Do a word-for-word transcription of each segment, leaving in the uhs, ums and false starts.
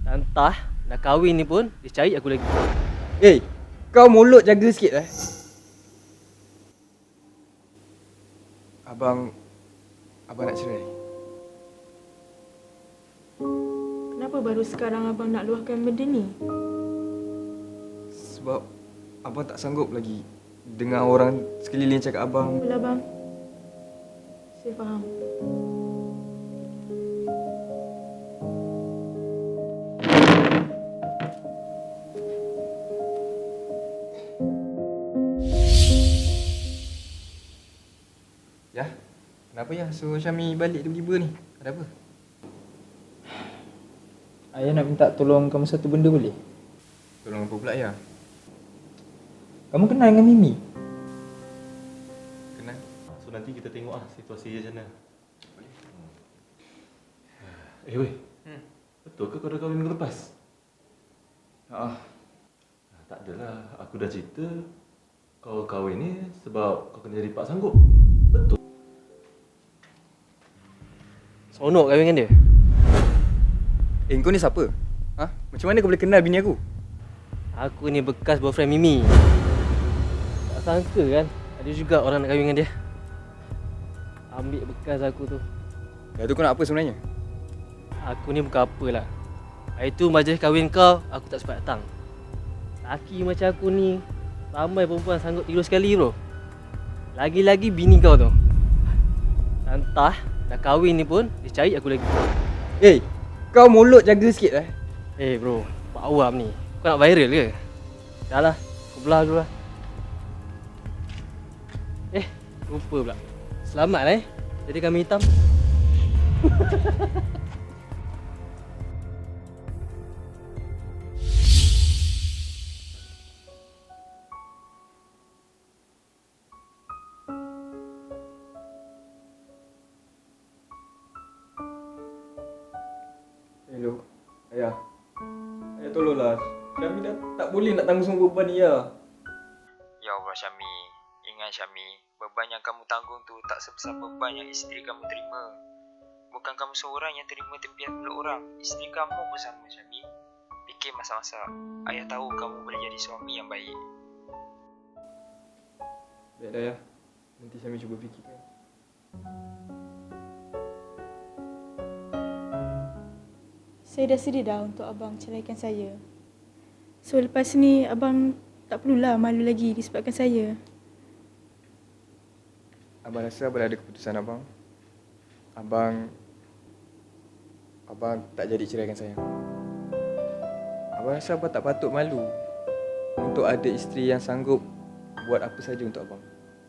Entah, dah kahwin ni pun dia cari aku lagi. Eh, kau mulut jaga sikit eh. Abang, abang nak cerai. Kenapa baru sekarang abang nak luahkan benda ni? Sebab abang tak sanggup lagi dengar orang sekeliling cakap abang. Apalah bang. Saya faham. Ya, kenapa ya suruh Syami balik tiba-tiba ni? Ada apa? Ayah nak minta tolong kamu satu benda boleh? Tolong apa pula ya? Kamu kenal dengan Mimi? Kenal? So nanti kita tengok ah situasi dia macam mana. Eh weh, hmm. betul ke kau dah kahwin minggu lepas? Haa. Ah, tak adalah, aku dah cerita kau kahwin ni sebab kau kena jadi pak sanggup. Betul. Seronok kahwin dengan dia. Eh, kau ni siapa? Ha? Macam mana kau boleh kenal bini aku? Aku ni bekas boyfriend Mimi. Tak sangka kan ada juga orang nak kahwin dengan dia. Ambil bekas aku tu. Ya tu kau nak apa sebenarnya? Aku ni bukan apalah. Hari tu majlis kahwin kau, aku tak sempat datang. Laki macam aku ni, ramai perempuan sanggup tidur sekali bro. Lagi-lagi bini kau tu. Entah, dah kahwin ni pun dia cari aku lagi. Eh, kau mulut jaga sikit eh. Eh bro, buat awam ni. Kau nak viral ke? Dah lah, aku belah dulu lah. Eh, lupa pula. Selamat lah eh, jadi kambing hitam. Hello, ayah. Ayah tolonglah. Syami dah tak boleh nak tanggung semua beban ni ya. Ya Allah Syami, ingat Syami, beban yang kamu tanggung tu tak sebesar beban yang isteri kamu terima. Bukan kamu seorang yang terima tempian pula orang, isteri kamu pun sama Syami. Fikir masa-masa, ayah tahu kamu boleh jadi suami yang baik. Baik dah ya. Nanti Syami cuba fikirkan. Saya dah sedia dah untuk abang ceraikan saya. So lepas ni abang tak perlulah malu lagi disebabkan saya. Abang rasa abang dah ada keputusan abang. Abang Abang tak jadi ceraikan saya. Abang rasa abang tak patut malu untuk ada isteri yang sanggup buat apa saja untuk abang.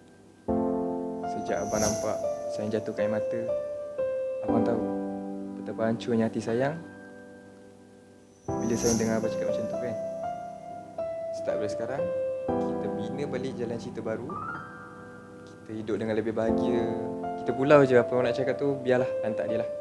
Sejak abang nampak saya jatuhkan air mata, abang tahu betapa hancurnya hati sayang bila saya dengar abang cakap macam tu kan. Start dari sekarang, kita bina balik jalan cerita baru. Kita hidup dengan lebih bahagia. Kita pulau je, apa orang nak cakap tu biarlah, lantak dia lah.